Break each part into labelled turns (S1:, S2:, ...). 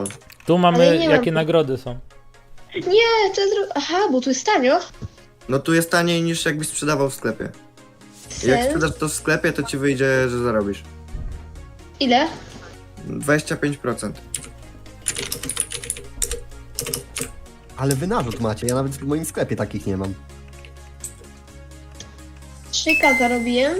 S1: Tu
S2: Ale
S1: mamy,
S2: nie
S1: jakie
S2: mam-
S1: nagrody są.
S2: Nie, to jest... Aha, bo tu jest tanio.
S3: No tu jest taniej niż jakbyś sprzedawał w sklepie. Jak
S2: Sens?
S3: sprzedasz to w sklepie, to ci wyjdzie, że zarobisz.
S2: Ile?
S3: 25%.
S4: Ale wy narzut macie, ja nawet w moim sklepie takich nie mam.
S2: 3K zarobiłem.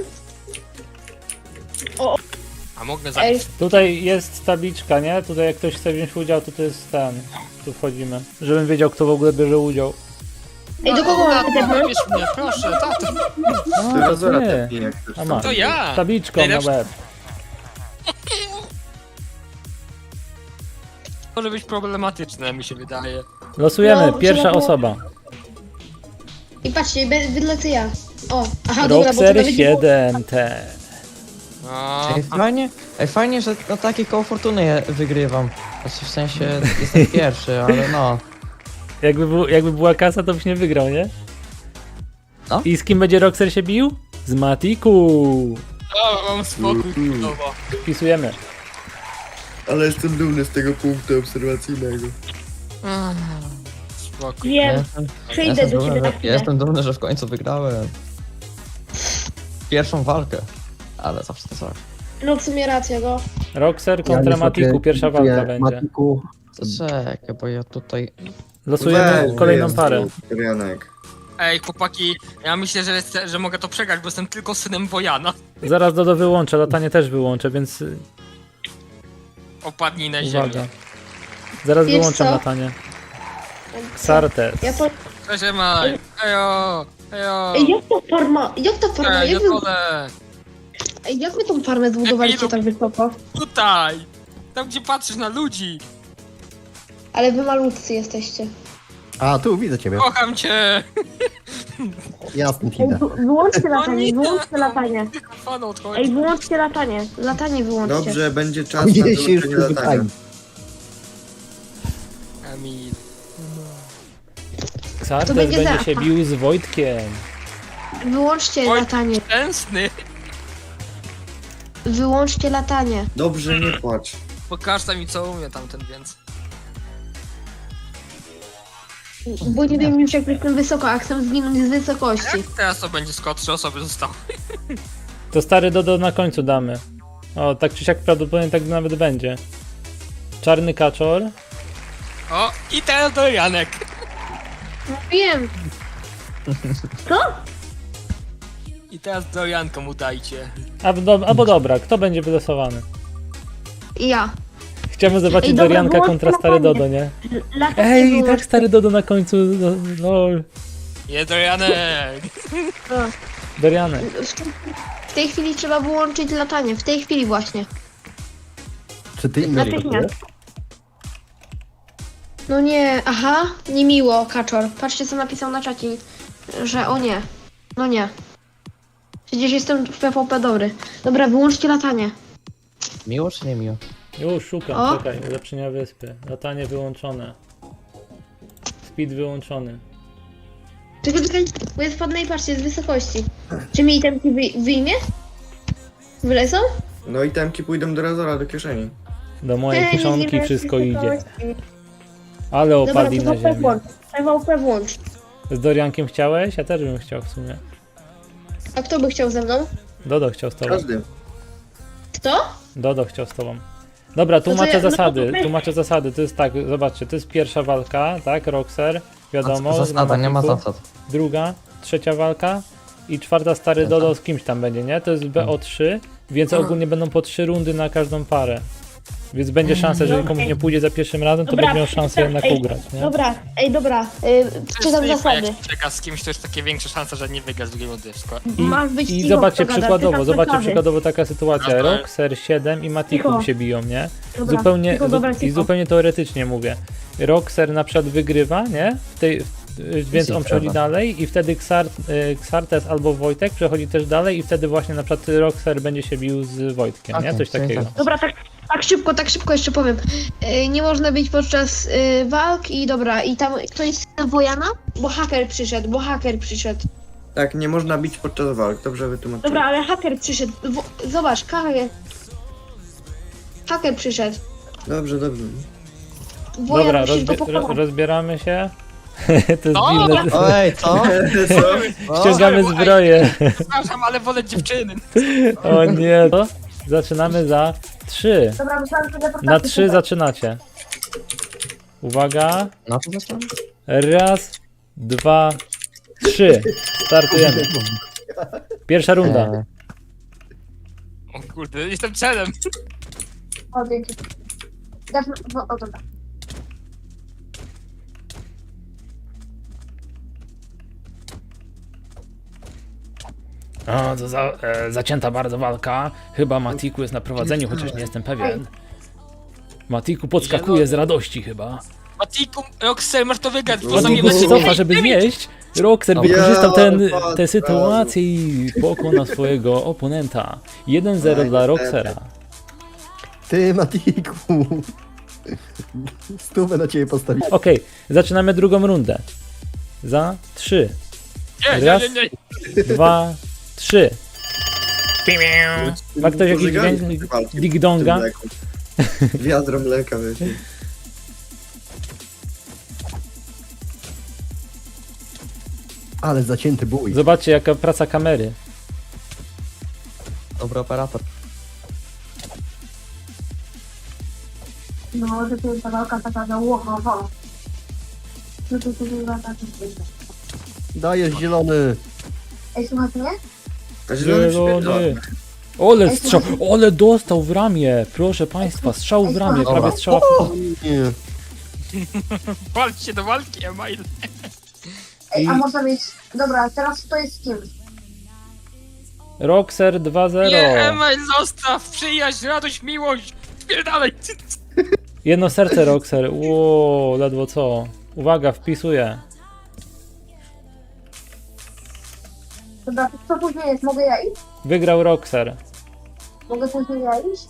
S5: A mogę
S2: Ej,
S5: zabić.
S1: Tutaj jest tabliczka, nie? Tutaj jak ktoś chce wziąć udział, to jest ten. Tu wchodzimy. Żebym wiedział, kto w ogóle bierze udział.
S2: ej, do kogo mam tepnąć?
S5: Wybierz mnie, proszę, tato.
S1: A,
S3: Ty
S1: to
S3: Razora
S1: nie.
S3: tepnij, jak chcesz.
S1: A masz.
S5: To ja.
S1: Tabliczką na
S5: Najlepszy-
S1: łeb.
S5: Może być problematyczne, mi się wydaje.
S1: Losujemy,
S2: No,
S1: pierwsza
S2: trzeba było-
S1: osoba.
S2: I patrzcie, wylecę ja. O, aha, dobra, bo to
S1: Roxer
S2: nawet nie było...
S1: 7T.
S5: No,
S6: Ej, fajnie, że na takie koło fortuny je wygrywam. Znaczy w sensie jestem pierwszy, ale no.
S1: Jakby była kasa, to byś nie wygrał, nie?
S6: No.
S1: I z kim będzie Roxer się bił? Z Matiku.
S5: mam spokój chwilowo.
S1: Wpisujemy.
S3: Ale jestem dumny z tego punktu obserwacyjnego.
S5: Spokój.
S2: Wiem, przyjdę do ciebie na
S6: ja
S2: chwilę.
S6: jestem dumny, że w końcu wygrałem. Pierwszą walkę. Ale zawsze to coś.
S2: No w sumie racja, no.
S1: Roxer kontra Matiku, pierwsza walka będzie.
S4: Matiku,
S6: To czekaj, bo ja tutaj...
S1: Losujemy
S3: Weź,
S1: kolejną
S3: jest,
S1: parę.
S3: Janek.
S5: Ej, chłopaki, ja myślę, że mogę to przegrać, bo jestem tylko synem Wojana.
S1: Zaraz Dodo wyłączę, latanie też wyłączę, więc
S5: Opadnij na ziemię.
S1: uwaga. Zaraz
S2: Wiesz
S1: wyłączam
S2: co?
S1: latanie. Xartes.
S2: Ja po...
S5: Cześć, Emaj. Ejo, ejo.
S2: Ej, jak to farma... Jak ta farma...
S5: Ej,
S2: Jak
S5: na
S2: wy...
S5: dole.
S2: Ej, jak wy tą farmę zbudowaliście tak wysoko?
S5: Tutaj. Tam, gdzie patrzysz na ludzi.
S2: Ale wy malutcy jesteście.
S4: a tu widzę ciebie.
S5: Kocham cię.
S4: Jasny idę.
S2: Wyłączcie
S5: latanie, nie.
S2: wyłączcie latanie.
S5: Fan odchodzi.
S2: Wyłączcie latanie. Latanie wyłączcie.
S3: Dobrze, będzie czas na
S4: Nie się już
S3: wyłączenie latania.
S4: pytają.
S5: Emil.
S1: Xartes
S2: To będzie
S1: będzie
S2: za-
S1: się bił z Wojtkiem.
S2: Wyłączcie
S5: Oj.
S2: latanie.
S5: Szczęsny.
S2: Wyłączcie latanie.
S3: Dobrze, nie płacz.
S5: Pokaż mi, co umie tamten, więc.
S2: Bo nie wiem już jak jestem wysoko, a chcę zginąć z wysokości.
S5: Teraz to będzie skoro 3 osoby zostały.
S1: To stary Dodo na końcu damy. O, tak czy siak prawdopodobnie tak nawet będzie. Czarny kaczor.
S5: O, i teraz do Janek.
S2: Wiem.
S5: I teraz do Janka mu dajcie.
S1: Albo dobra, kto będzie wylosowany?
S2: Ja.
S1: Chciałbym zobaczyć
S2: Ej, dobra,
S1: Dorianka
S2: wyłączcie
S1: kontra stary
S2: latanie.
S1: Dodo, nie?
S2: Latanie
S1: Ej, i tak
S2: wyłączcie.
S1: stary Dodo na końcu. Lol.
S5: Nie do Janek.
S1: Dorianek.
S2: W tej chwili trzeba wyłączyć latanie. W tej chwili właśnie.
S4: Czy ty inny
S2: Natychmiast. No nie, aha, niemiło, Kaczor. Patrzcie co napisał na czacie, że o nie. No nie. Przecież jestem w PvP dobry. Dobra, wyłączcie latanie.
S6: Miło czy nie miło?
S1: Już szukam,
S2: O.
S1: czekaj, ulepszenia wyspy. Latanie wyłączone. Speed wyłączony.
S2: Czekaj, bo jest spadnę i patrzcie, z wysokości. Czy mi itemki wyjmie? Wylecą?
S3: No i temki pójdą do Razora, do kieszeni.
S1: Do mojej
S2: Ej,
S1: kieszonki
S2: nie
S1: wszystko
S2: wiem,
S1: idzie.
S2: wysokości.
S1: Ale
S2: Dobra,
S1: opadli na
S2: PvP
S1: ziemię.
S2: włącz. PvP włącz.
S1: Z Doriankiem chciałeś? Ja też bym chciał w sumie.
S2: A kto by chciał ze mną?
S1: Dodo chciał z tobą.
S3: Każdy.
S2: Kto?
S1: Dodo chciał z tobą. Dobra, tłumaczę
S2: ja- no to
S1: zasady.
S2: tutaj-
S1: Tłumaczę zasady. To jest tak, zobaczcie, to jest pierwsza walka, tak? Roxer, wiadomo.
S6: Zasada, nie ma
S1: Matiku.
S6: zasad.
S1: Druga, trzecia walka i czwarta stary Dodo z kimś tam będzie, nie? To jest BO3, więc ogólnie będą po 3 rundy na każdą parę. Więc będzie szansa, że jeżeli komuś nie pójdzie za pierwszym razem, to
S2: Dobra,
S1: będzie miał szansę jednak
S2: ej,
S1: ugrać, nie?
S2: Dobra, dobra. Czytam zasady.
S5: Jak czeka z kimś, to jest takie większe szanse, że nie wygra z drugiej rundy.
S2: Masz być
S1: I
S2: cicho,
S1: zobaczcie
S2: kto gada,
S1: przykładowo,
S2: czytam
S1: zobaczcie
S2: zasady.
S1: przykładowo taka sytuacja.
S5: Dobra.
S1: Roxer 7 i Matiku
S2: Cicho.
S1: się biją, nie?
S2: Dobra,
S1: Zupełnie,
S2: cicho, dobra,
S1: I
S2: cicho.
S1: zupełnie teoretycznie mówię. Roxer na przykład wygrywa, nie? Więc on przechodzi dalej i wtedy Xartes albo Wojtek przechodzi też dalej i wtedy właśnie na przykład Roxer będzie się bił z Wojtkiem, nie?
S6: Okej,
S1: Coś
S6: czyli
S1: takiego.
S6: tak.
S2: Dobra, tak szybko jeszcze powiem. Nie można być podczas walk i dobra, i tam ktoś jest Wojana? Bo haker przyszedł.
S3: Tak, nie można bić podczas walk, dobrze wytłumaczyłem.
S2: Dobra, ale haker przyszedł. Zobacz, haker przyszedł.
S3: Dobrze, dobrze.
S2: Wuja,
S1: Dobra,
S2: musisz go pokonać.
S1: rozbieramy się. To jest
S5: O!
S1: dziwne.
S6: Oj, co?
S3: Co?
S1: Ściągamy zbroję.
S5: Przepraszam, ale wolę dziewczyny.
S1: O nie. To zaczynamy za 3.
S2: Dobra, myślałam, że teleportacja.
S1: Na 3 zaczynacie. Uwaga.
S6: Na co zaczynam?
S1: Raz, 2, 3. Startujemy. Pierwsza runda.
S5: O kurde, jestem celem.
S2: O, dzięki. O, dobra.
S1: O, to zacięta bardzo walka. Chyba Matiku jest na prowadzeniu, chociaż nie jestem pewien. Matiku podskakuje z radości chyba.
S5: Matiku, Roxer, masz to wygrać, bo
S1: Matiku
S5: zamiast
S1: się cofa, żeby zjeść. Roxer
S6: Ja,
S1: wykorzystał tę
S3: bardzo.
S1: sytuację i pokonał swojego oponenta. 1-0 dla Roxera.
S4: Ty, Matiku. Stówę na ciebie postawić.
S1: Okej, zaczynamy drugą rundę. Za 3, Raz.
S5: Nie.
S1: 2, 3. Ma ktoś jakiś dźwięk ding-donga?
S3: Wiadro mleka, wiecie.
S4: Ale zacięty bój.
S1: Zobaczcie jaka praca kamery.
S6: Dobry operator.
S2: No, to jest ta walka taka za łowo.
S4: Dajesz zielony.
S2: Ej, słuchajcie mnie?
S3: A zielony
S1: Zielony.
S3: przypierdolony.
S1: Ole strzał, ole dostał w ramię, proszę państwa, strzał w ramię, prawie strzała w...
S4: Nie.
S5: Walczcie do walki, Email.
S2: Ej, a
S1: I-
S2: można mieć... Dobra, teraz to jest z kim?
S1: Roxer
S5: Nie,
S1: 2-0.
S5: Email, zostaw, przyjaźń, radość, miłość. Spierdalaj.
S1: Jedno serce Roxer, ło, ledwo co. Uwaga, wpisuję.
S2: Dobra, co później jest? Mogę ja iść?
S1: Wygrał Roxer.
S2: Mogę później ja iść?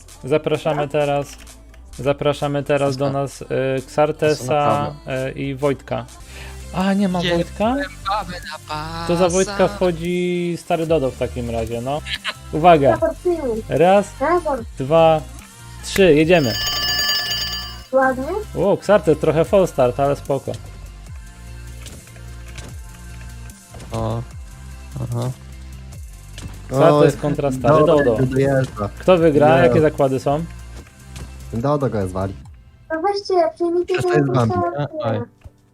S1: Zapraszamy teraz do nas Xartesa i Wojtka. A, nie ma
S5: Nie.
S1: Wojtka?
S5: Babę na pasa.
S1: To za Wojtka wchodzi stary Dodo w takim razie, no. Uwaga,
S2: Teleportuj.
S1: raz,
S2: Teleport.
S1: 2, 3, jedziemy.
S2: Ładnie?
S1: O, Xartes trochę fall start, ale spoko.
S6: O. Aha.
S1: Xartes kontra stary Dodo.
S4: Dojeżdża.
S1: Kto wygra?
S4: Nie.
S1: Jakie zakłady są?
S4: Dodo go zwali.
S2: No weźcie, przyjmijcie
S4: To jest Bambi.
S6: Oj.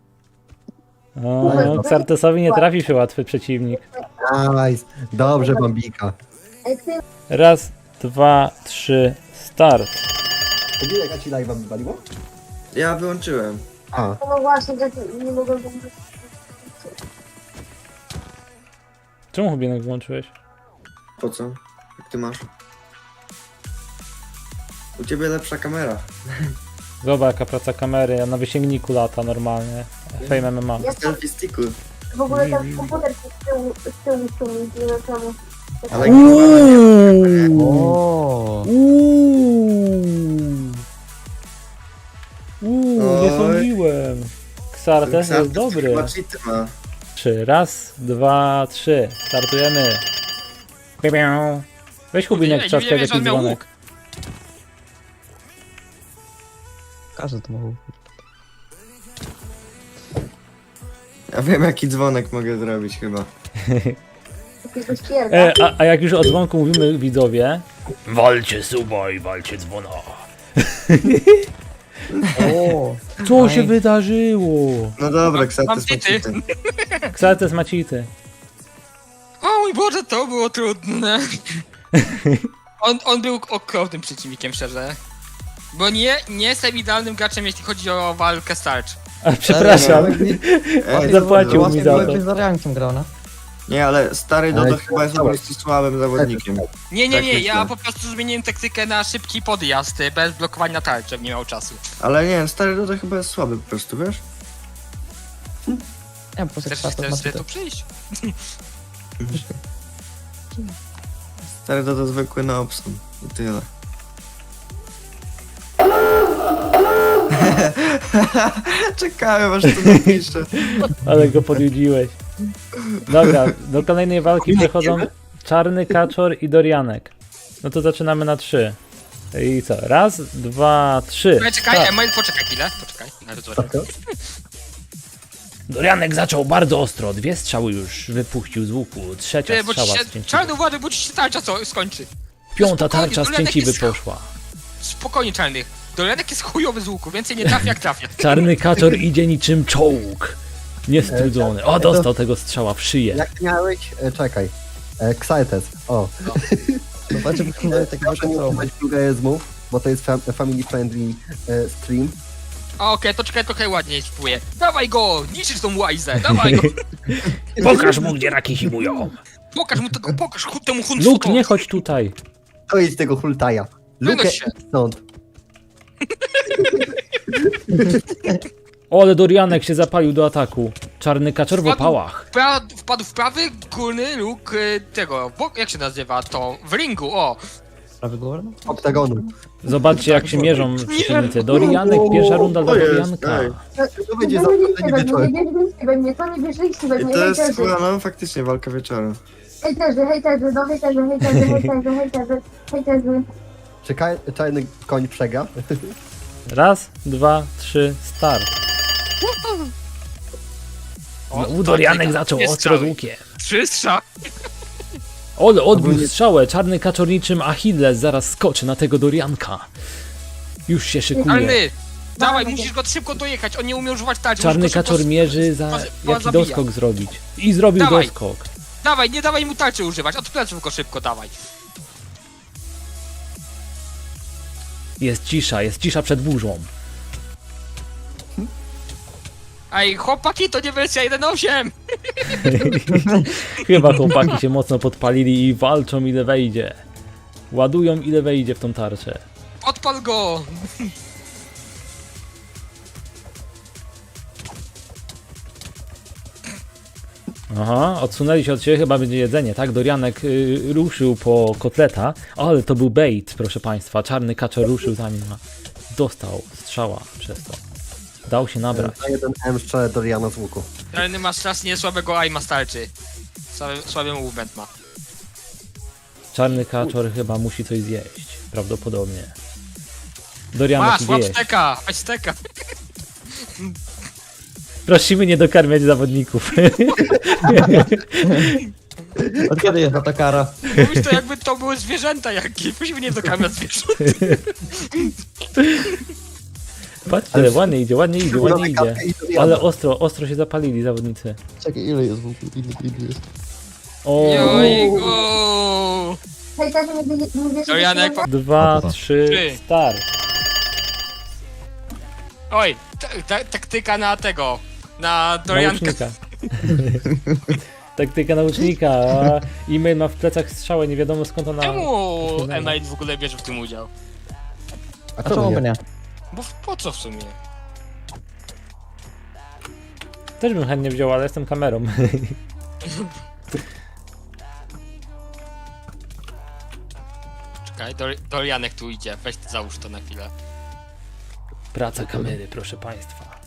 S1: O, Xartesowi nie trafi się łatwy przeciwnik.
S4: Nice. Dobrze, Bambika.
S2: Ej, ty...
S1: Raz, 2, 3, start.
S4: Widzisz, jak ci live'a wywaliło?
S3: Ja wyłączyłem.
S4: A,
S2: No właśnie, tak nie mogę...
S1: Czemu Hubinek włączyłeś?
S3: Po co? Jak ty masz? U ciebie lepsza kamera.
S1: Zobacz jaka praca kamery, na wysięgniku lata normalnie. Fame MMA.
S2: Ja to
S3: Selfie sticku.
S2: w ogóle ten komputer z tyłu ściągnął, nie wiem czemu.
S3: Ale
S6: O.
S1: Nie
S3: Oj.
S1: sądziłem. Xartes jest dobry.
S3: Chyba cheaty ma.
S1: 3, raz, 2, 3. Startujemy. Piu, piu. Weź Hubinek
S5: Nie,
S1: trzaskaj
S5: nie wiesz,
S1: jakiś
S5: on miał
S1: dzwonek.
S5: łuk.
S6: Każdy to mógł.
S3: Ja wiem jaki dzwonek mogę zrobić chyba.
S2: Jakiegoś pierda.
S1: A jak już o dzwonku mówimy widzowie. Walcie suba i walcie dzwona.
S6: O.
S1: Co
S6: Aj.
S1: się wydarzyło?
S3: No dobra,
S5: Mam
S3: Xartes ma
S5: cheaty.
S3: cheaty.
S1: Xartes ma cheaty.
S5: O mój Boże, to było trudne. On był okropnym przeciwnikiem, szczerze. Bo nie jestem idealnym graczem, jeśli chodzi o walkę starcz.
S1: A, przepraszam. Zapłacił mi za to.
S6: Byłeś z Ariankiem grał, no?
S3: Nie, ale stary
S4: Ale
S3: Dodo chyba jest po prostu słabym zawodnikiem.
S5: Nie,
S3: Tak
S5: ja
S3: myślę.
S5: po prostu zmieniłem taktykę na szybki podjazd, bez blokowania tarczy, nie miał czasu.
S3: Ale nie, stary Dodo chyba jest słaby po prostu, wiesz?
S6: Nie, po prostu
S5: Chcesz
S6: Xartes ma
S5: sobie
S6: cheaty.
S5: tu przyjść?
S3: Stary Dodo zwykły na obsą. I tyle. Czekałem aż to napiszę.
S1: Ale go podjudziłeś. Dobra, do kolejnej walki przechodzą Czarny Kaczor i Dorianek. No to zaczynamy na 3. I co? Raz, dwa, trzy.
S5: Czekaj,
S1: start.
S5: Email, poczekaj chwilę, poczekaj. Ale to
S1: Dorianek zaczął bardzo ostro. 2 strzały już wypuścił z łuku. Trzecia
S5: Ty, bo ci
S1: strzała
S5: się,
S1: z cięciwy.
S5: czarny uważaj, bo ci się tarcza co skończy.
S1: 5.
S5: spokojnie,
S1: tarcza z
S5: Dorianek
S1: cięciwy
S5: jest-
S1: poszła.
S5: Spokojnie, czarny. Dorianek jest chujowy z łuku, więcej nie trafia jak trafia.
S1: Czarny kaczor idzie niczym czołg. Niestrudzony. O, dostał tego strzała w szyję.
S4: Jak miałeś... czekaj. Xaltes. O.
S6: Zobaczcie, wyglądają tak
S4: Proszę nie
S6: bardzo
S4: używać plugaryzmów, bo to jest family friendly stream.
S5: A okej, to czekaj, trochę ładniej spróbuję. Dawaj go! Niszczysz tą łajzę, dawaj go!
S1: Pokaż mu, gdzie raki zimują.
S5: Pokaż mu tego, pokaż temu
S1: Luke,
S5: huncfukowi.
S1: nie chodź tutaj.
S4: To jest tego hultaja. Luke
S5: Wynoś się.
S4: stąd.
S1: O, ale Dorianek się zapalił do ataku. Czarny kaczor w opałach.
S5: Wpadł w prawy górny róg tego, jak się nazywa to? W ringu, o!
S6: prawy górny.
S4: Oktagonu.
S1: Zobaczcie, jak się mierzą przeciwnicy. Dorianek, pierwsza runda dla
S3: O jest,
S1: Dorianka.
S3: ej.
S4: To będzie zaokrąglenie wieczorem.
S2: Nie wierzyliście we
S3: I
S2: mnie,
S3: to jest
S2: hejterzy.
S3: chyba, no faktycznie walka wieczorem.
S2: Hejterzy, no hejterzy.
S4: Czy czarny koń przegra?
S1: Raz, dwa, trzy, start.
S5: O,
S1: Dorianek zaczął
S5: jest
S1: ostro z
S5: strzały.
S1: łukiem.
S5: 3 strzały.
S1: Ole, odbił strzałę. Czarny kaczor niczym Achilles zaraz skoczy na tego Dorianka. Już się szykuje.
S5: Czarny! Dawaj, musisz go szybko dojechać, on nie umie używać tarczy.
S1: Czarny
S5: musisz go szybko
S1: kaczor mierzy za jaki
S5: zabija.
S1: doskok zrobić. I zrobił
S5: Dawaj.
S1: doskok.
S5: Dawaj, nie dawaj mu tarczy używać, od pleców go szybko dawaj.
S1: Jest cisza przed burzą.
S5: Ej, chłopaki, to nie wersja 1.8!
S1: Chyba chłopaki się mocno podpalili i walczą ile wejdzie. Ładują ile wejdzie w tą tarczę.
S5: Odpal go!
S1: Aha, odsunęli się od siebie, chyba będzie jedzenie, tak? Dorianek ruszył po kotleta, ale to był bait, proszę państwa. Czarny kaczor ruszył za nim, a dostał strzała przez to. Dał się nabrać.
S4: Na jeden M strzelę Doriana z łuku.
S5: Czarny ma strasznie słabego aima starczy. Słaby movement ma.
S1: Czarny kaczor chyba musi coś zjeść, prawdopodobnie. Dorianek
S5: Masz,
S1: idzie
S5: łap
S1: jeść.
S5: steka, weź steka.
S1: Prosimy nie dokarmiać zawodników.
S6: Od kiedy jest ta kara?
S5: Mówisz to jakby to były zwierzęta jakieś, musimy nie dokarmiać zwierząt.
S1: Patrzcie, ładnie idzie, ładnie idzie.
S4: Katkę i Doriana.
S1: Ale ostro się zapalili zawodnicy.
S6: Czekaj, ile jest w ogóle? Ile jest?
S1: O,
S5: Jojku!
S2: Hejterzy, nie wierzyliście
S5: Dorianek,
S2: we mnie?
S1: 2, 3,
S5: Trzy.
S1: start.
S5: Oj, taktyka na tego, na Dorianka.
S1: Naucznika. Taktyka naucznika. A e-mail ma w plecach strzałę, nie wiadomo skąd ona...
S5: Czemu
S1: Znamy.
S5: Email w ogóle bierze w tym udział?
S6: A czemu by nie?
S5: Bo po co w sumie?
S1: Też bym chętnie wziął, ale jestem kamerą.
S5: Czekaj, Dorianek tu idzie, weź załóż to na chwilę.
S1: Praca kamery, proszę państwa.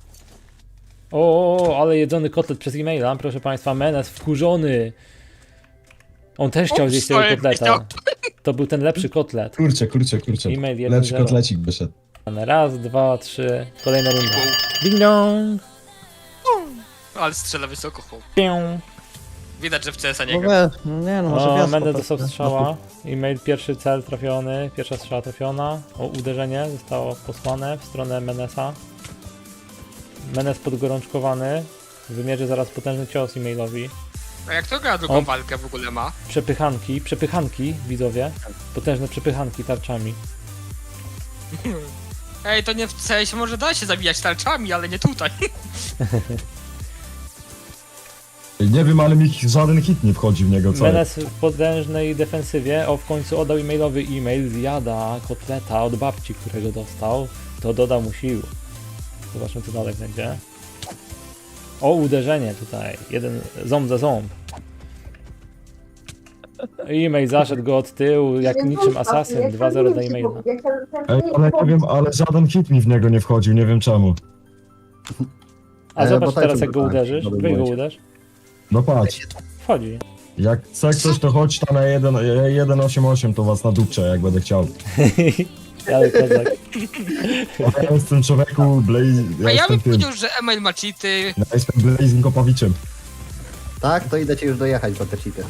S1: O, ale jedzony kotlet przez e-maila, proszę państwa. Menes wkurzony. On też chciał
S5: Ups,
S1: zjeść tego
S5: sorry,
S1: kotleta.
S5: chciał.
S1: To był ten lepszy kotlet.
S7: Kurczę.
S1: E-mail 1-0.
S7: Lepszy kotlecik wyszedł.
S1: Raz, dwa, trzy. Kolejna runda.
S5: Pół.
S1: Ding dong.
S5: Ale strzela wysoko, chłop.
S1: Pię.
S5: Widać, że w CS-a nie
S6: No
S5: gra.
S6: nie no, może
S1: O,
S6: wiatr
S1: Mendes
S6: po prostu.
S1: dostał strzała. E-mail pierwszy cel trafiony. Pierwsza strzała trafiona. O, uderzenie zostało posłane w stronę Menesa. Menes podgorączkowany. Wymierzy zaraz potężny cios e-mailowi.
S5: A jak to gra drugą
S1: O.
S5: walkę w ogóle ma?
S1: Przepychanki, widzowie. Potężne przepychanki tarczami.
S5: Ej, to nie w CS może da się zabijać tarczami, ale nie tutaj.
S7: Nie wiem, ale mi żaden hit nie wchodzi w niego, co?
S1: Menes w potężnej defensywie, o w końcu oddał e-mailowy e-mail, zjada kotleta od babci, którego dostał, to doda mu sił. Zobaczmy co dalej będzie. O, uderzenie tutaj, jeden ząb za ząb. E-mail zaszedł go od tyłu, jak niczym asasyn, 2-0 dla e-maila.
S7: Ej, ale nie wiem, ale żaden hit mi w niego nie wchodził, nie wiem czemu.
S1: A
S4: bo
S1: zobacz
S4: tak
S1: teraz
S4: to
S1: jak go
S4: tak,
S1: uderzysz,
S4: dobry
S1: weź go
S4: błąd.
S1: uderz.
S7: No patrz.
S1: Wchodzi.
S7: Jak chce ktoś, to chodź tam na 1.8.8, to was nadupczę, jak będę chciał.
S1: Ale kozak.
S7: A ja jestem człowieku,
S5: A ja
S7: jestem
S5: bym
S7: tym,
S5: powiedział, że Emil ma cheaty.
S7: ja jestem Blazing Kopawiczem.
S4: Tak, to idę cię już dojechać po te cheaty.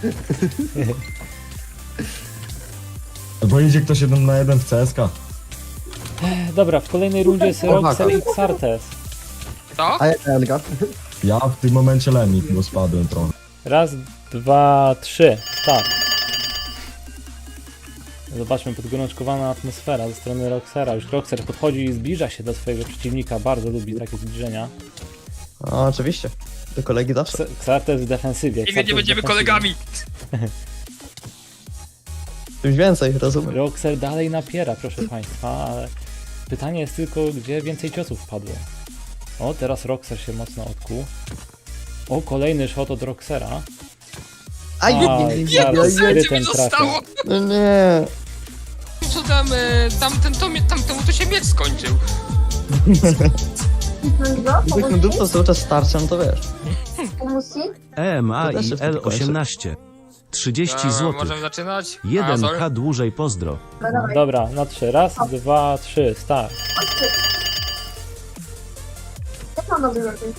S7: Bo idzie ktoś 1 na 1 w CSK.
S1: Dobra, w kolejnej rundzie jest Roxer i Xartes.
S5: Co?
S4: A jak Anka?
S7: Ja w tym momencie lemik, bo spadłem trochę.
S1: Raz, dwa, trzy. Start. Zobaczmy, podgorączkowana atmosfera ze strony Roxera. Już Roxer podchodzi i zbliża się do swojego przeciwnika. Bardzo lubi takie zbliżenia.
S6: No, oczywiście. Do kolegi zawsze.
S1: Xartes w defensywie.
S5: Nigdy
S1: Xartes
S5: nie
S1: w
S5: będziemy
S1: defensywie.
S5: kolegami.
S6: Czymś więcej, rozumiem.
S1: Roxer dalej napiera, proszę państwa, ale pytanie jest tylko, gdzie więcej ciosów padło. O, teraz Roxer się mocno odkuł. O, kolejny shot od Roxera.
S6: Aj,
S5: Jedno
S1: Xartes
S5: serce mi
S1: skrytem trafił.
S5: zostało.
S6: no nie.
S5: Co tam, tamtemu to się miecz skończył.
S6: Gdybym dupnął cały czas starczem, to wiesz.
S2: Musi?
S8: EMA
S6: To też
S8: i
S6: jest tylko
S8: L18. 30 zł.
S5: Możemy zaczynać?
S8: 1H dłużej pozdro.
S1: Dobra, na trzy. Raz, dwa, trzy, start.
S2: Jak mam dobry lepiej?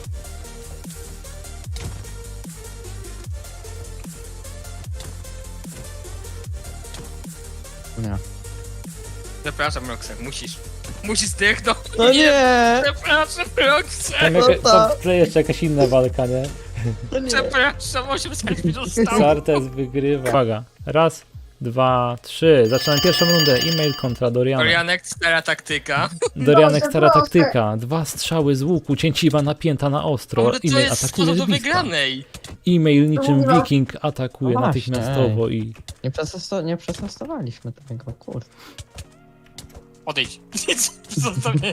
S6: Nie.
S5: Przepraszam, Roxer, musisz. Musisz zdechnąć.
S6: No nie!
S5: Przepraszam, Roxer.
S1: Tam jeszcze jakaś inna walka, nie?
S6: No nie.
S5: Przepraszam, 8 sekund mi zostało.
S1: Xartes wygrywa. Uwaga. Raz, dwa, trzy. Zaczynam pierwszą rundę. E-mail kontra Dorianek.
S5: Dorianek, stara taktyka.
S1: Dorianek,
S2: Proszę,
S1: stara
S2: proszę.
S1: taktyka. 2 strzały z łuku, cięciwa napięta na ostro.
S5: Ale to
S1: E-mail
S5: jest
S1: atakuje
S5: sposób
S1: z
S5: do
S1: bliska.
S5: wygranej.
S1: E-mail niczym
S2: Dobra.
S1: wiking atakuje
S6: No właśnie,
S1: natychmiastowo i...
S6: Nie przetestowaliśmy tego, kurde.
S5: Odejdź. Zostawię.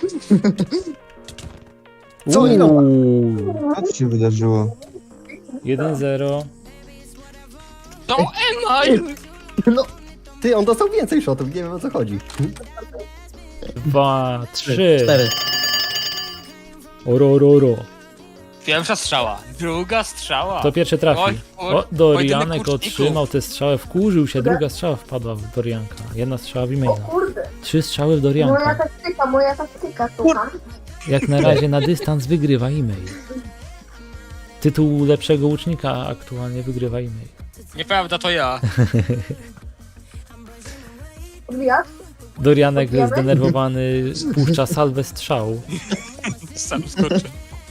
S4: Co oni robią?
S1: Uuu,
S3: Co się wydarzyło?
S1: 1-0.
S5: To Emil!
S4: No, ty, on dostał więcej shotów, nie wiem o co chodzi.
S1: 2, 3.
S6: 4.
S1: Orororo.
S5: Pierwsza strzała. Druga strzała.
S1: To pierwszy trafi.
S5: Oj,
S1: O, Dorianek
S5: pojedynek łuczników.
S1: otrzymał tę strzałę, wkurzył się, druga strzała wpadła w Dorianka. Jedna strzała w e-maila.
S2: Kurde,
S1: 3 strzały w Dorianka.
S2: moja taktyka, słucham.
S1: Jak na razie na dystans wygrywa e-mail. Tytuł lepszego łucznika aktualnie wygrywa e-mail.
S5: Nieprawda, to ja.
S2: Odbijać?
S1: Dorianek
S2: Odbijamy?
S1: zdenerwowany puszcza salwę strzału.
S5: Sam skoczę.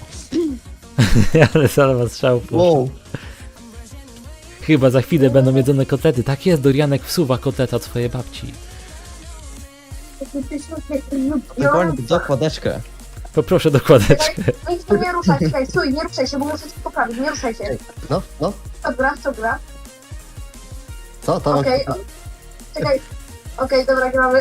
S1: Ale salwa strzału puszcza.
S6: Wow.
S1: Chyba za chwilę będą jedzone kotlety. Tak jest, Dorianek wsuwa kotleta od swojej babci.
S6: Dokładnie, dokładeczkę.
S1: Poproszę dokładeczkę.
S2: Nic tu nie ruszaj, czekaj, stój, nie ruszaj się, bo muszę cię poprawić, nie ruszaj się.
S4: No, no,
S2: Dobra.
S4: co to?
S2: Okej, czekaj. Okej, dobra, gramy.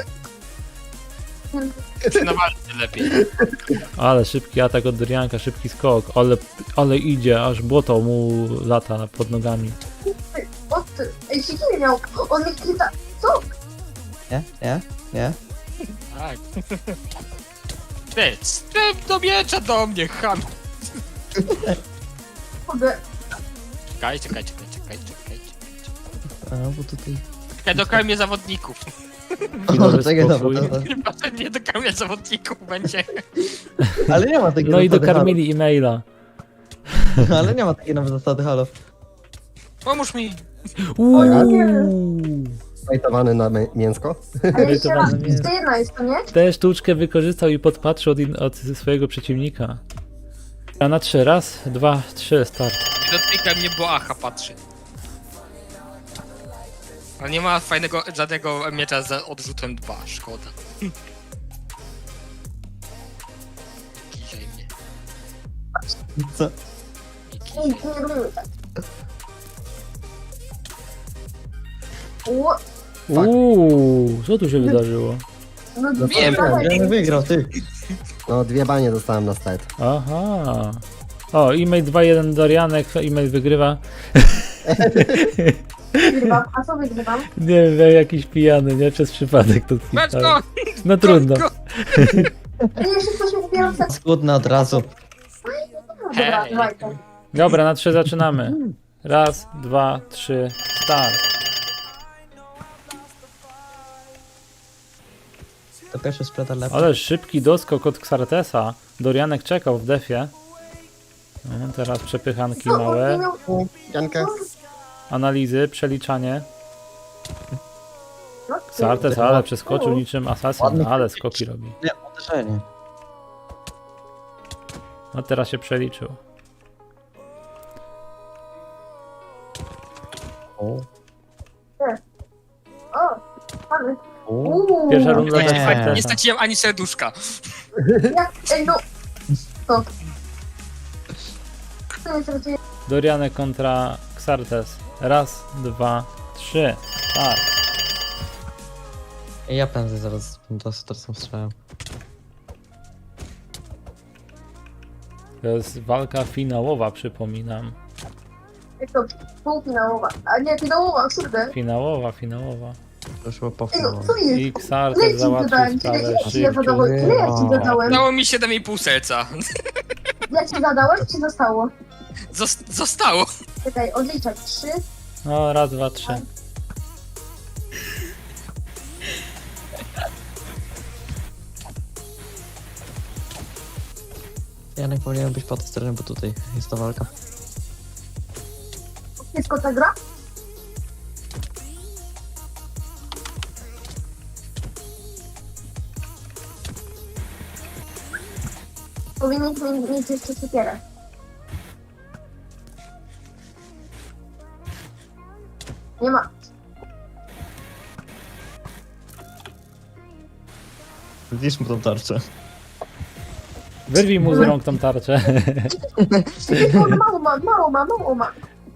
S5: Na walce lepiej.
S1: Ale szybki atak od Dorianka, szybki skok. Ale idzie, aż błoto mu lata pod nogami.
S2: O ty, ej, się nie miał, on mnie chyta, co?
S6: Nie?
S5: Tak. Ty, strep do miecza do mnie, ham.
S2: Kurde,
S5: Czekaj.
S6: A, bo tutaj...
S5: Ja dokarmię zawodników.
S1: Chwilowy
S6: O, czekaj,
S1: spokój.
S6: dobra.
S5: Chyba, że nie dokarmię zawodników będzie.
S6: Ale nie ma takiej
S1: No i
S6: zasady,
S1: dokarmili e-maila.
S6: halo. Ale nie ma takiej nawet zasady, halo.
S5: Pomóż mi.
S4: Fajtowany na mięsko?
S2: ale jeszcze raz,
S1: Wyrytowane mięso.
S2: to jedna jest, to nie?
S1: Tę sztuczkę wykorzystał i podpatrzył od swojego przeciwnika. A na 3, raz, 2, 3, start.
S5: Nie dotykaj mnie, bo Aha patrzy. Ale nie ma żadnego miecza z odrzutem 2, szkoda. Dzisiaj mnie.
S6: Co?
S2: Nic, nie robimy tak. Ło,
S1: Co tu się wydarzyło?
S2: no
S5: Wiem.
S2: dawaj.
S6: Ja wygrał, ty.
S4: No, 2 banie dostałem na stat.
S1: Aha. O, e-mail 2-1 Dorianek, e-mail wygrywa.
S2: Wygrywam, a co wygrywam?
S1: Nie wiem, jakiś pijany, nie? Przez przypadek to
S5: Meczko!
S1: spisałem. No trudno.
S2: Ale jeszcze ktoś mi wybierał tak.
S6: Skłodny od razu.
S2: Dobra,
S5: Hej.
S2: dawaj to.
S1: Dobra, na 3 zaczynamy. Raz, dwa, trzy, start.
S6: To pierwszy spreader lepszy.
S1: Ale szybki doskok od Xartesa. Dorianek czekał w defie. No, teraz przepychanki małe.
S4: Jankę.
S1: Analizy, przeliczanie. Xartes, ale przeskoczył niczym asasyn, ale skoki robi.
S6: Nie, uderzenie.
S1: No teraz się przeliczył.
S6: O.
S1: Pierwsza runda
S6: Nie.
S1: dla
S5: Nie
S1: Xartesa.
S5: straciłem ani serduszka.
S1: Dorianek kontra Xartes. Raz, dwa, trzy, start.
S6: Ja pędzę zaraz do stresem strzałem.
S1: To jest walka finałowa, przypominam.
S2: Półfinałowa. A nie, finałowa, kurde.
S1: Finałowa.
S6: To już było po
S2: Ej, no,
S6: finału.
S2: co jest?
S1: I Xartes załatwił sprawę
S2: Ile ci
S1: szybko.
S2: zadałem? Ile ja ci zadałem?
S5: Dało mi 7,5 serca.
S2: Ja ci zadałem, czy zostało?
S5: Zostało.
S2: Czekaj, odliczać. 3.
S1: No, raz, dwa, trzy.
S6: Janek powinien być po tej stronie, bo tutaj jest ta walka.
S2: Wszystko ta gra? Powinniśmy mieć jeszcze siekierę. Nie ma.
S7: Widzisz mu tą tarczę.
S1: Wyrwij mu z rąk tą tarczę.
S2: Mało ma.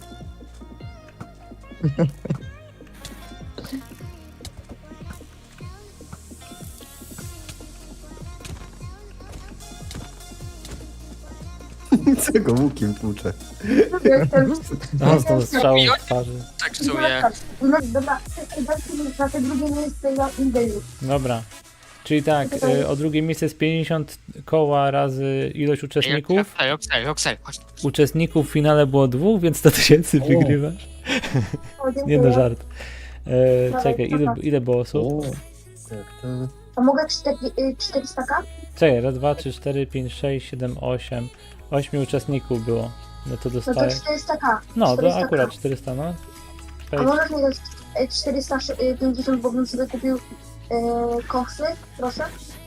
S4: Co go łukiem tłucze?
S1: No, z tą strzałą w twarzy.
S5: Tak czuję.
S2: Dobra, na te drugie miejsce ja idę już.
S1: Dobra. Czyli tak, o drugie miejsce jest 50 koła razy ilość uczestników.
S5: Roxel, chodź.
S1: Uczestników w finale było 2, więc 100 tysięcy wygrywasz. Nie no, żart. Czekaj, ile było osób?
S2: A mogę 400k?
S1: Czekaj, raz, dwa, trzy, 4, 5, 6, 7, 8. 8 uczestników było. No to
S2: No to
S1: dostaję.
S2: 400k.
S1: No, to
S2: 400K.
S1: akurat 400, no.
S2: A możesz mi dać 450, bo bym sobie kupił koksy, proszę?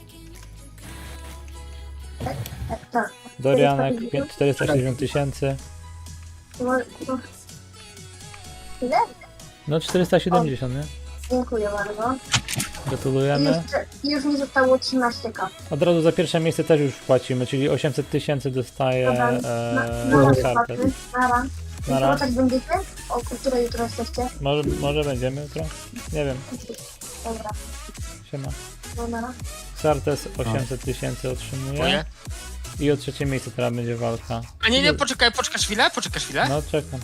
S2: Tak.
S1: Dorianek 460 tysięcy.
S2: Ile?
S1: No 470, nie?
S2: Dziękuję bardzo.
S1: Gratulujemy.
S2: Już mi zostało 13k.
S1: Od razu za pierwsze miejsce też już płacimy, czyli 800 tysięcy dostaje Xartes.
S2: Nara.
S1: Nara.
S2: Jutro tak będziecie? O której jutro jesteście?
S1: Może będziemy jutro? Nie wiem.
S2: Dobra,
S1: Siema.
S2: no nara.
S1: Xartes 800 tysięcy otrzymuje.
S5: Dziękuję.
S1: I o trzecie miejsce teraz będzie walka.
S5: A nie, poczekasz chwilę?
S1: No czekam.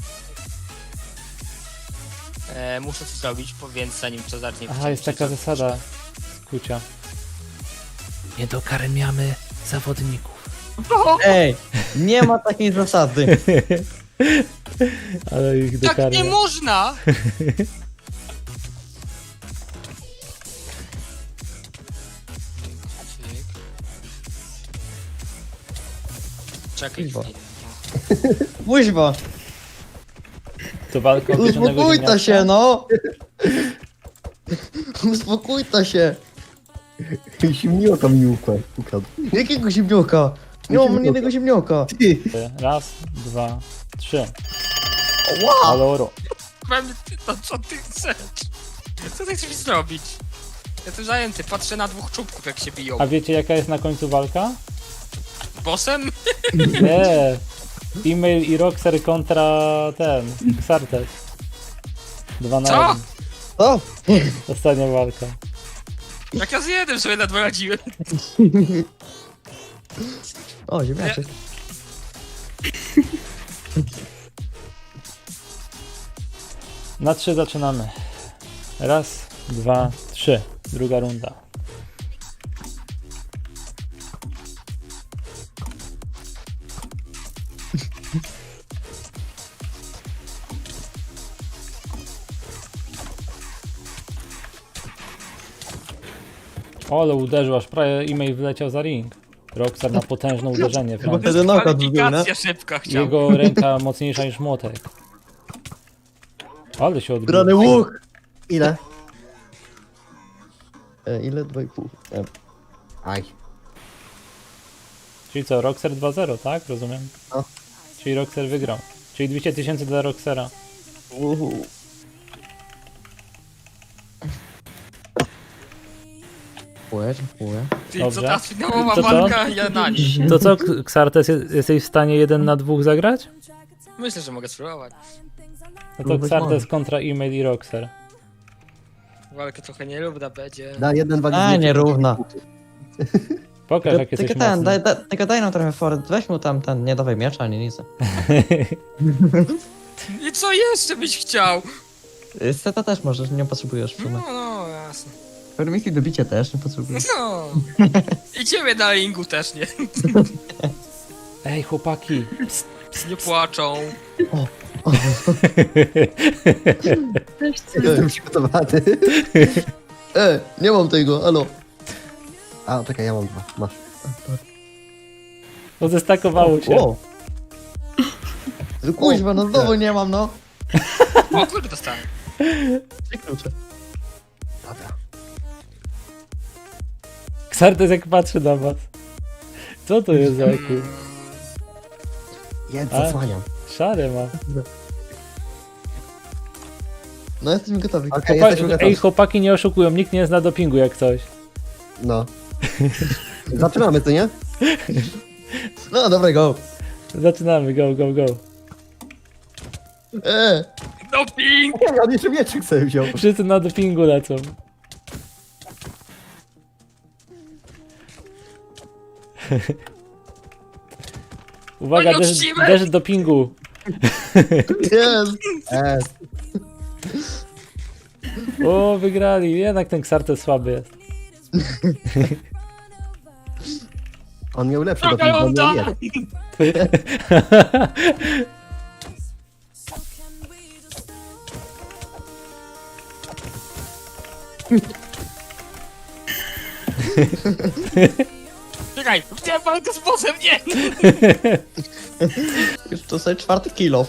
S5: Muszę coś zrobić, więc zanim to zacznie...
S1: Aha, jest taka zasada skucia. Nie dokarmiamy zawodników.
S6: Ej, nie ma takiej zasady.
S1: Ale ich
S5: Tak nie
S1: dokarmiam.
S5: można! Czekaj
S6: Kurwa.
S5: chwilę.
S6: Kuźwa,
S1: To walka o pieczonego
S6: uspokój to
S1: ziemniaka.
S6: się, no. Uspokój to się.
S4: Zimniota mi ukradł.
S6: Jakiego ziemnioka? Nie mam jednego ziemnioka.
S1: Raz, dwa, trzy.
S6: Wow.
S1: Aloro.
S5: To co ty chcesz? Co ty chcesz zrobić? Jestem zajęty, patrzę na dwóch czubków jak się biją.
S1: A wiecie jaka jest na końcu walka?
S5: Bossem?
S1: Nie. E-mail i Roxer kontra ten. Xartes. 2 na
S5: Co?
S1: 1.
S6: Co?
S1: Ostatnia walka.
S5: Jak ja z jednym sobie ledwo radziłem.
S6: O, ziemniaczek.
S1: Na 3 zaczynamy. Raz, dwa, trzy. Druga runda. Ale uderzył, aż prawie e-mail wyleciał za ring. Roxer ma potężne uderzenie.
S6: Chyba
S1: Frank.
S6: wtedy knockout był, nie?
S5: Kwalifikacja szybka chciał.
S1: Jego ręka mocniejsza niż młotek. Ale się odbił.
S6: Brany łuk!
S4: Ile?
S6: Ile? 2,5.
S4: Aj.
S1: Czyli co, Roxer 2-0, tak? Rozumiem?
S4: No.
S1: Czyli Roxer wygrał. Czyli 200 000 dla Roxera.
S6: Dziękuję.
S5: Czyli
S1: Dobrze.
S5: co ta finałowa
S1: To co?
S5: walka, ja na nich.
S1: To co, Xartes, jesteś w stanie 1 na 2 zagrać?
S5: Myślę, że mogę spróbować.
S1: No to
S6: Być
S1: Xartes
S6: może.
S1: kontra e-mail i Roxer.
S5: Walka trochę nierówna będzie.
S4: Da jeden wagi.
S6: A, nierówna.
S1: Pokaż, jak jesteś
S6: Tylko ten,
S1: mocny.
S6: tylko daj nam trochę fort. Weź mu tam ten, nie dawaj miecza ani nic.
S5: I co jeszcze byś chciał?
S6: Seta też możesz, nie potrzebujesz w sumie.
S5: No, jasne.
S6: Permiki do bicia też nie potrzebujesz.
S5: No. I ciebie na ringu też nie.
S1: Ej, chłopaki.
S5: Nie płaczą.
S4: Jestem przygotowany.
S6: Nie mam tego, alo.
S4: A, czekaj, ja mam 2. Masz.
S1: No zestakowało się.
S6: O. Kuźwa, no znowu nie mam, no.
S5: O, kurde dostałem.
S6: Trzy klucze.
S4: Dobra.
S1: Xartes jak patrzy na was. Co to jest za eku?
S4: Jedz,
S1: A?
S4: zasłaniam.
S1: Szare ma.
S6: No jesteśmy gotowi.
S4: Okej, jesteśmy
S1: Ej,
S4: gotowi.
S1: chłopaki nie oszukują, nikt nie zna dopingu jak coś.
S4: No. Zaczynamy, co nie?
S6: No dobra, go.
S1: Zaczynamy, go, go, go.
S5: Doping!
S4: Ja on jeszcze mieczyk sobie wziął.
S1: Wszyscy na dopingu lecą. Uwaga,
S5: No
S1: deszcz,
S5: nieuczciwe!
S1: deszcz dopingu.
S6: Jest.
S1: O, wygrali. Jednak ten Xartes słaby jest.
S4: On miał lepszy
S5: Druga
S4: doping, on miał
S5: runda!
S4: jeden.
S5: Czekaj, chciałem walkę z bossem, nie!
S6: Już to sobie 4 kilo.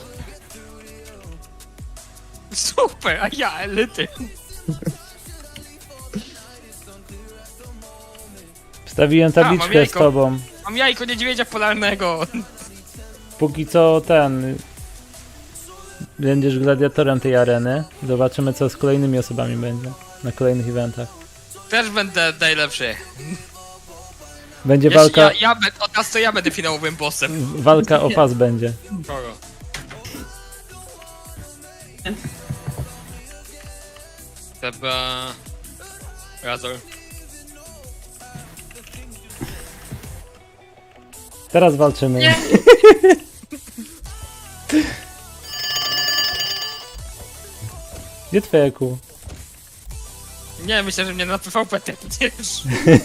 S5: Super, a ja elity.
S1: Wstawiłem
S5: mam
S1: tabliczkę z
S5: jajko.
S1: tobą.
S5: Mam jajko niedźwiedzia polarnego.
S1: Póki co ten... Będziesz gladiatorem tej areny. Zobaczymy co z kolejnymi osobami będzie. Na kolejnych eventach.
S5: Też będę najlepszy.
S1: Będzie
S5: Jeśli
S1: walka...
S5: od nas to ja będę finałowym bossem.
S1: Walka o pas będzie.
S5: Kogo? Chyba... Razor.
S1: Teraz walczymy. Gdzie twoje kół?
S5: Nie, myślę, że mnie na PvP tepniesz.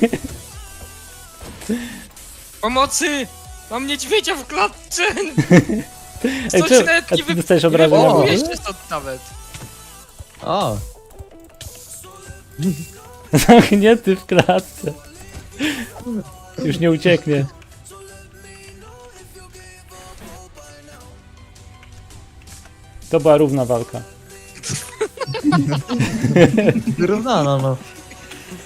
S5: Pomocy! Mam niedźwiedzia w klatce!
S1: Ej,
S5: Coś
S1: czy,
S5: nawet
S1: a
S5: nie
S1: ty dostajesz
S5: nie
S1: obrażenia w
S5: wywołujesz
S1: ogóle?
S5: się stąd nawet.
S6: O.
S1: Zamknięty w klatce. Już nie ucieknie. To była równa walka.
S6: Wyrównano, no.